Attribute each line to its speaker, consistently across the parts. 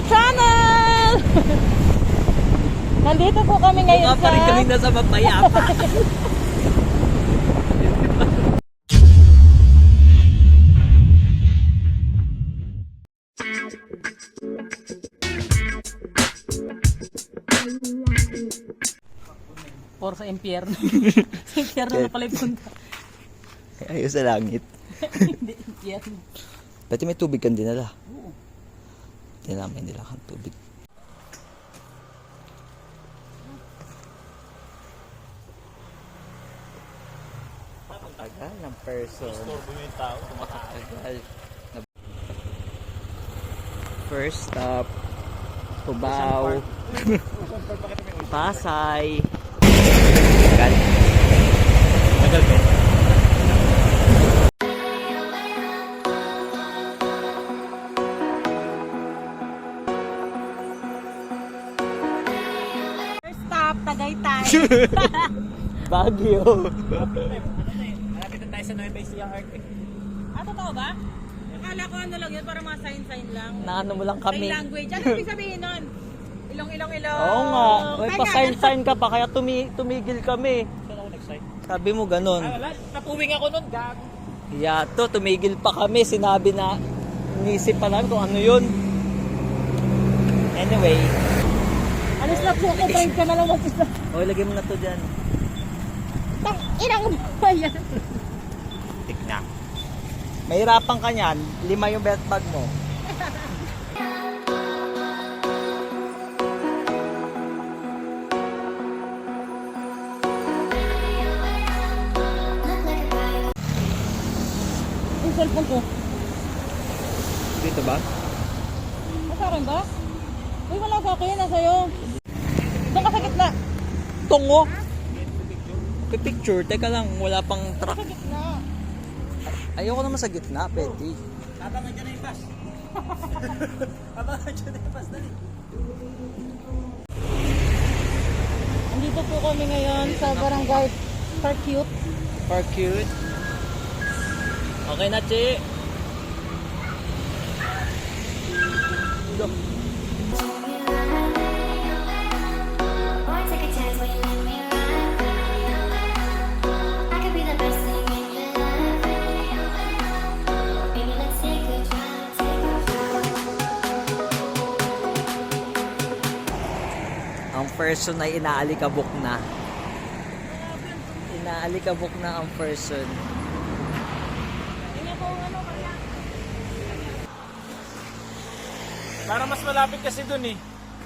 Speaker 1: channel! Nandito po kami ngayon
Speaker 2: pa rin kami nasa mapayapa.
Speaker 1: Or sa impyerno. Sa impyerno na pala yung punta.
Speaker 2: Ayos sa langit.
Speaker 1: Hindi, impyerno.
Speaker 2: Pati may tubig kang dinala.
Speaker 1: Oo.
Speaker 2: May nila kang tubig. Tagal ng person.
Speaker 3: Istorbo mo yung tao, kumakain.
Speaker 2: Tagal. First stop, Cubao, Pasay. Tagal.
Speaker 3: Tagal ba?
Speaker 1: First stop, Tagaytay.
Speaker 2: Baguio.
Speaker 3: Malapit na tayo sa Nueva Ecija Art.
Speaker 1: Ah, totoo ba? Akala ko ano lang yun, para mga sign-sign lang.
Speaker 2: Naano mo lang
Speaker 1: Sign
Speaker 2: kami.
Speaker 1: language. Ano ibig sabihin nun? Ilong.
Speaker 2: Oo nga. May pa-sign ka pa kaya tumigil kami.
Speaker 3: Saan ako nag-sign?
Speaker 2: Sabi mo ganun.
Speaker 3: Ah, wala. Napuwing ako nun, gag.
Speaker 2: Yato, tumigil pa kami. Sinabi na, inisip pa namin kung ano yun. Anyway.
Speaker 1: Alis na po ako, drive ka na lang mag-isa.
Speaker 2: O, lagay mo na to dyan.
Speaker 1: Inang ba yan?
Speaker 2: Tigna. Mahirapan ka niyan. 5 yung belt bag mo.
Speaker 1: Yung cellphone ko.
Speaker 2: Dito ba?
Speaker 1: Nasa akin ba? Uy, wala sa akin. Nasa'yo. Doon ka sa gitna.
Speaker 2: Tungo. Picture. Teka lang, wala pang truck.
Speaker 1: Sa gitna.
Speaker 2: Ayoko naman sa gitna, pwede.
Speaker 3: Abangan dyan na yung bus. Abangan dyan na yung bus, dali.
Speaker 1: Andito po kami ngayon sa barangay Parcute.
Speaker 2: For cute. Okay na, Chi. Ang person ay inaalikabok na. Inaalikabok na ang person.
Speaker 1: Tingnan ko ano kaya.
Speaker 3: Para mas malapit kasi dun eh.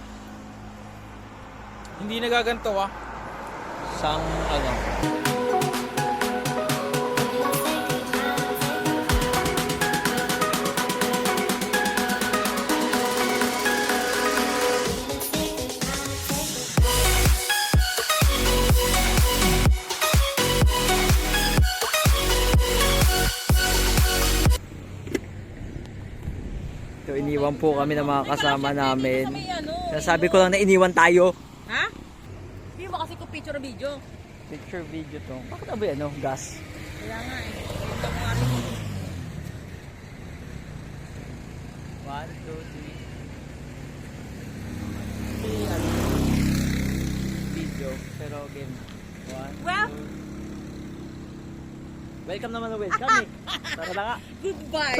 Speaker 3: Hindi nagaganto ah.
Speaker 2: Sang ano. So, iniwan po kami ng mga kasama namin. Sabi ko lang na iniwan tayo.
Speaker 1: Ha? Hindi mo kasi ko picture o video.
Speaker 2: Picture video to. Bakit ba ano? Gas.
Speaker 1: Kaya nga eh. Ito ko nga rin.
Speaker 2: 1, 2, 3. Video. Pero game. 1,
Speaker 1: Well,
Speaker 2: 2. Welcome naman na welcome eh. Tara na nga.
Speaker 1: goodbye.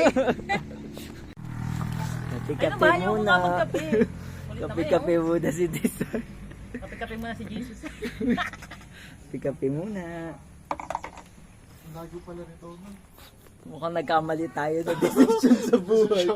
Speaker 2: Kape-kape muna.
Speaker 1: Magkape.
Speaker 2: Kape-kape muna si Desar.
Speaker 1: Kape-kape muna si Jesus.
Speaker 2: Kape-kape muna.
Speaker 3: Lago pala nito.
Speaker 2: Mukhang nagkamali tayo na decision sa buhay.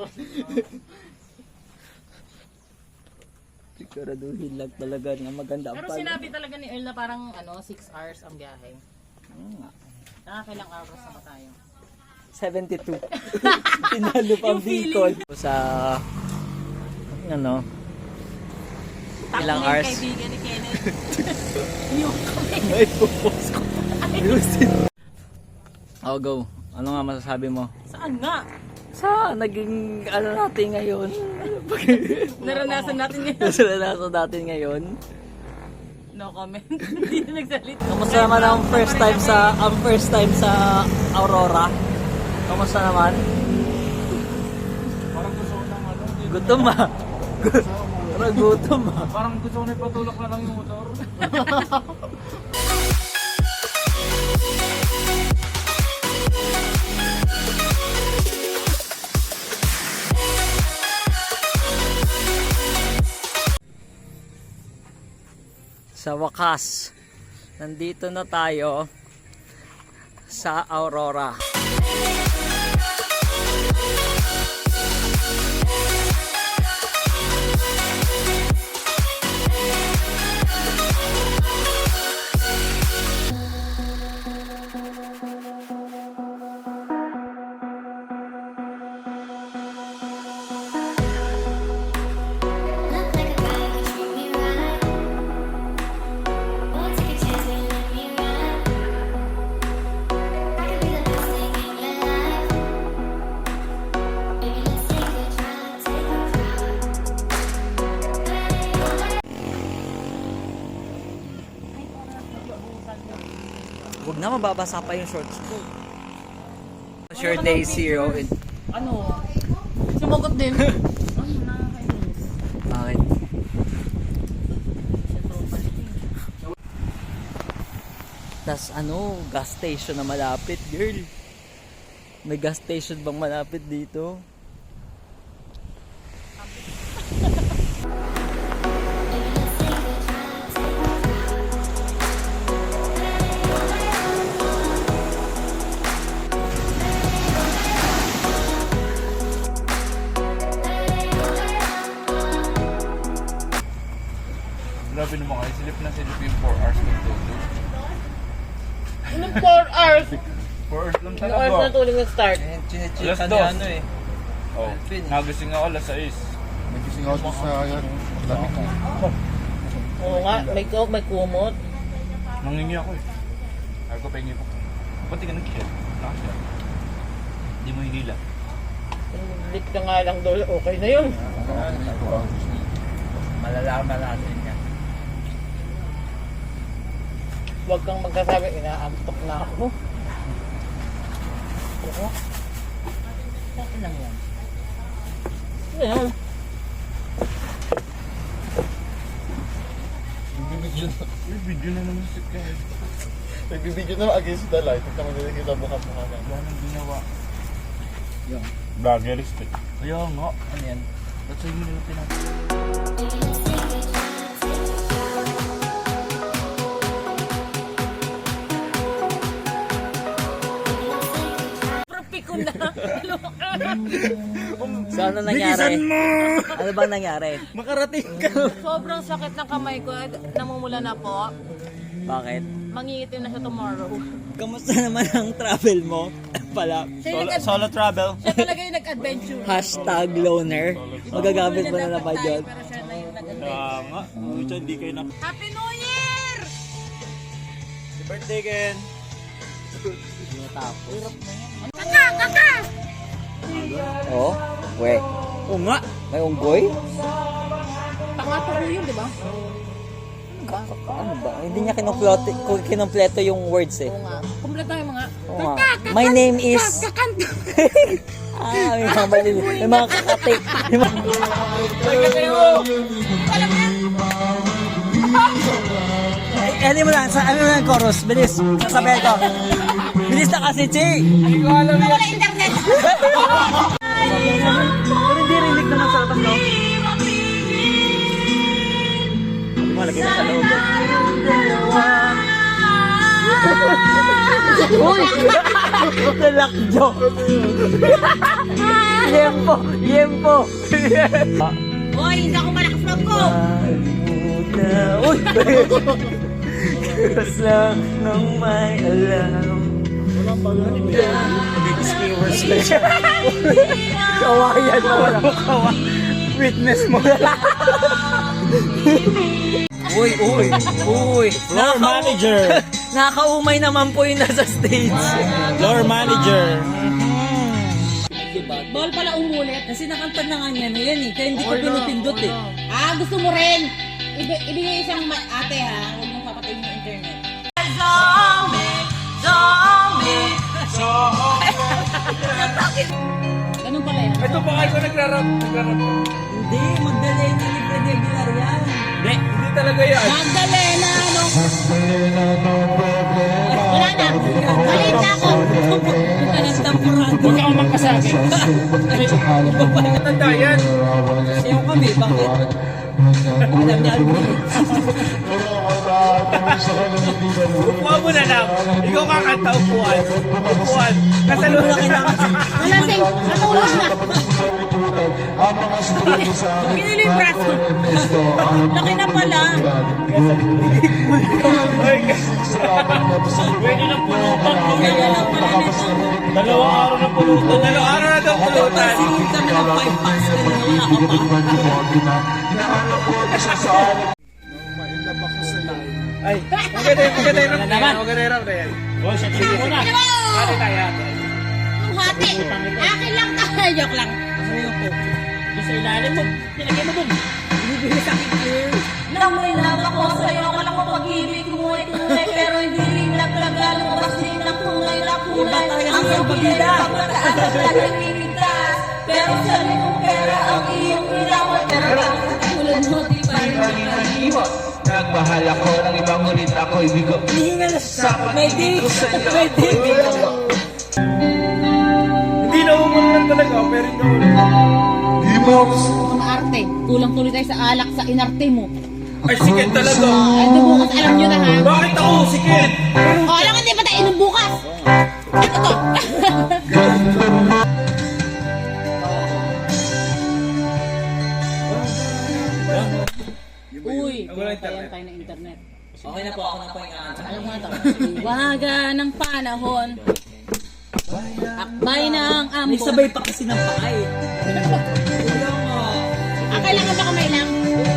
Speaker 2: Siguraduhin lang talaga nga maganda ang
Speaker 1: Pero sinabi talaga ni Earl na parang 6 hours ang biyahe. Nakakailang hours na ba tayo?
Speaker 2: 72. Tinalo pa ang Bicol. Sa ano? Ilang hours?
Speaker 1: Kaibigan ni Kenneth. Yung kami.
Speaker 2: May pupos ko. Ayusin. Oh, go. Ano nga masasabi mo?
Speaker 1: Saan nga?
Speaker 2: Sa naging ano natin ngayon?
Speaker 1: Naranasan natin ngayon.
Speaker 2: Naranasan natin ngayon?
Speaker 1: No comment. Hindi na nagsalita.
Speaker 2: Kamusta naman ang first time sa Aurora? Kamusta naman?
Speaker 3: Parang gusto ko ng ano.
Speaker 2: Gutom ah. Parang gutom ah.
Speaker 3: Parang gusto ko na ipatulak na lang yung motor.
Speaker 2: Sa wakas, nandito na tayo sa Aurora.
Speaker 4: Look like a guy who treat me right. Won't take a chance when let me ride. I could be the best thing in your life. Baby, let's take a drive, take a
Speaker 2: Huwag na, mababasa pa yung shorts ko. Sure day zero.
Speaker 1: Ano? Sumagot din. Ay, nakakainis.
Speaker 2: Bakit? Tas ano, gas station na malapit, girl. May gas station bang malapit dito?
Speaker 3: Grabe naman kayo, silip na silip yung 4 hours magtuto.
Speaker 1: Anong 4 hours?
Speaker 3: 4 hours lang
Speaker 1: 4
Speaker 3: talaga.
Speaker 1: hours na tulog nag-start.
Speaker 2: Chinecheck
Speaker 3: Alas
Speaker 2: ka ni
Speaker 3: dos.
Speaker 2: ano eh.
Speaker 3: Oh, nagising ako alas 6.
Speaker 5: Nagising ako sa yan. Lamig na.
Speaker 1: Oo nga, may kumot.
Speaker 3: Nangingi ako eh. Sabi ko, pahingi ko. Ba't di ka nag-share? Naka-share. Hindi mo hihila.
Speaker 1: Lip ka nga lang doon, okay na yun.
Speaker 2: Malalaman natin yan.
Speaker 1: Huwag kang magkasabi, inaantok na ako. Oo. Okay lang yan. Ayan.
Speaker 3: May video na naman si Kyle.
Speaker 5: Nagbibideo na against the light. At naman nila kita mukha-mukha na.
Speaker 3: Wala nang ginawa.
Speaker 2: Yung,
Speaker 3: Vloggeristic. Kaya nga.
Speaker 2: ano yan?
Speaker 3: Ba't sa'yo mo nila pinag...
Speaker 1: Propi ko na.
Speaker 2: So ano nangyari? Ano bang nangyari? Makarating ka.
Speaker 1: Sobrang sakit ng kamay ko. Namumula na po.
Speaker 2: Bakit?
Speaker 1: Mangingitim na siya tomorrow.
Speaker 2: Kamusta naman ang travel mo? Pala.
Speaker 1: Siya yung
Speaker 3: Solo travel.
Speaker 1: siya talaga yung nag-adventure.
Speaker 2: Hashtag loner. Magagamit mo na naman yun.
Speaker 1: Pero siya na yung nag-adventure.
Speaker 3: Kaya nga. Pucha, hindi kayo na...
Speaker 1: Happy New Year!
Speaker 3: Happy birthday, Ken!
Speaker 2: Hindi natapos. Oh, we.
Speaker 3: Oo nga.
Speaker 2: May unggoy?
Speaker 1: Pangatlo yun, di ba?
Speaker 2: Ano ba? Hindi niya kinumpleto yung words eh.
Speaker 1: Oo nga. Kumpleto yung mga...
Speaker 2: Oo nga. My name is... may mga malili. May mga kakati. May mga... Ano mo lang, ano mo lang chorus, bilis, sasabihin ko. Bilis na kasi, Chi! Hindi ko alam yan. Wala internet! Pero hindi rinig naman sa labas, no? Malagay na sa loob. Uy! Nalakjo! Yempo! Yempo!
Speaker 1: Hoy, hindi ako malakas loob ko!
Speaker 2: Uy! Kasi nang may alam. Walang pag-anim yan. Nag-skimmers na siya. Kawayan mo. Witness mo. Uy, uy, uy.
Speaker 3: Floor manager!
Speaker 2: Nakakaumay naman po yung nasa stage.
Speaker 3: Floor manager!
Speaker 1: Bawal pala umulit.
Speaker 6: Kasi nakantad na nga niya na yan eh. Kaya hindi ko pinupindot eh.
Speaker 1: Ah, gusto mo rin? Ibigay isang ate ha. Huwag mong papatayin yung internet. Ganun pala yan.
Speaker 3: Ito pa kayo nagrarap.
Speaker 6: Hindi, Magdalena ni Fred Aguilar yan.
Speaker 3: Hindi talaga yan.
Speaker 1: Magdalena, ano? Wala na. Malit na ako.
Speaker 6: Nagtampurado.
Speaker 3: Huwag kang magkasabi. Matanda yan.
Speaker 6: Sayaw kami, bakit? Alam niya,
Speaker 3: Upuan mo na lang. Ikaw kakanta, upuan. Upuan. Kasaluhan ka na.
Speaker 1: Malasing, natulog na. Pinili yung braso.
Speaker 6: laki na pala.
Speaker 3: Pwede na pulutan.
Speaker 6: Kaya lang pala nito.
Speaker 3: Dalawang araw na pulutan. Dalawang araw na daw pulutan.
Speaker 6: Pasingin kami ng 5 pass. Kanina wala ka pa.
Speaker 5: Mailab ako sa'yo.
Speaker 3: Ay, maganda yung rap na yan. Maganda yung rap na yan. Oh, siya sige muna. Hati tayo.
Speaker 1: Yung hati. Akin lang tayo. Joke lang.
Speaker 3: Doon sa ilalim mo. Nilagay mo dun.
Speaker 6: Nang may love ako sa'yo, akala ko pag-ibig mo ay tunay, pero hindi rin naglaga, lumabas din ang tunay na kulay. Ang pagkira, mataas at nagigigtas, pero sa limong pera ang iyong pinawat, pero bakit sa tulad mo, di pa rin nakahimot.
Speaker 7: Nagmahal ako ng ibang ngunit ako'y bigo.
Speaker 6: Sa may di, may di.
Speaker 3: Hindi na umulan talaga, pero hindi na
Speaker 1: Mga arte. Kulang tuloy tayo sa alak sa inarte mo.
Speaker 3: Ay, sikit talaga.
Speaker 1: Ano bukas, alam nyo na ha.
Speaker 3: Bakit ako sikit?
Speaker 1: O, alam nga, di ba tayo inom bukas? Ano to? Uy,
Speaker 3: Wala
Speaker 1: kaya
Speaker 3: internet.
Speaker 1: tayo ng internet.
Speaker 6: Okay na po, ako na po yung
Speaker 1: Alam mo na to. Waga ng panahon. Akbay ng
Speaker 6: May
Speaker 1: ambon.
Speaker 6: sabay pa kasi ng pakay.
Speaker 1: Kailangan ba kamay lang?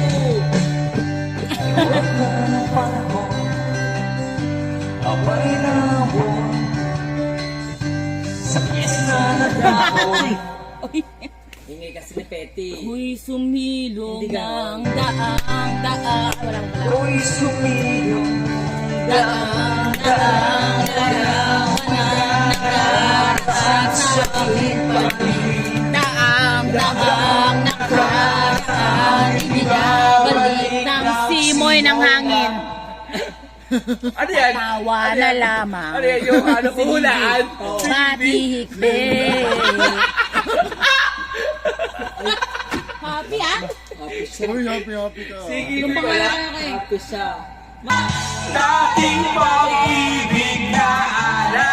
Speaker 6: Ingay kasi ni Petty.
Speaker 1: Uy, sumilong
Speaker 6: Hindi ka.
Speaker 1: ng daang. Walang pala. Uy, sumilong daang. Nakaraan sa akin pag-ibig. Daang nakaraan. Ibigabalik ng simoy ng hangin.
Speaker 3: Ano yan?
Speaker 1: Tawa na lamang.
Speaker 3: Ano yan? Yung ano, puhulaan?
Speaker 1: Matihikbe. Happy ah?
Speaker 5: Uy, happy ka.
Speaker 3: Sige,
Speaker 1: Yung
Speaker 3: wala.
Speaker 1: pangalan kay.
Speaker 6: Happy siya.
Speaker 3: Dating pag-ibig na alala.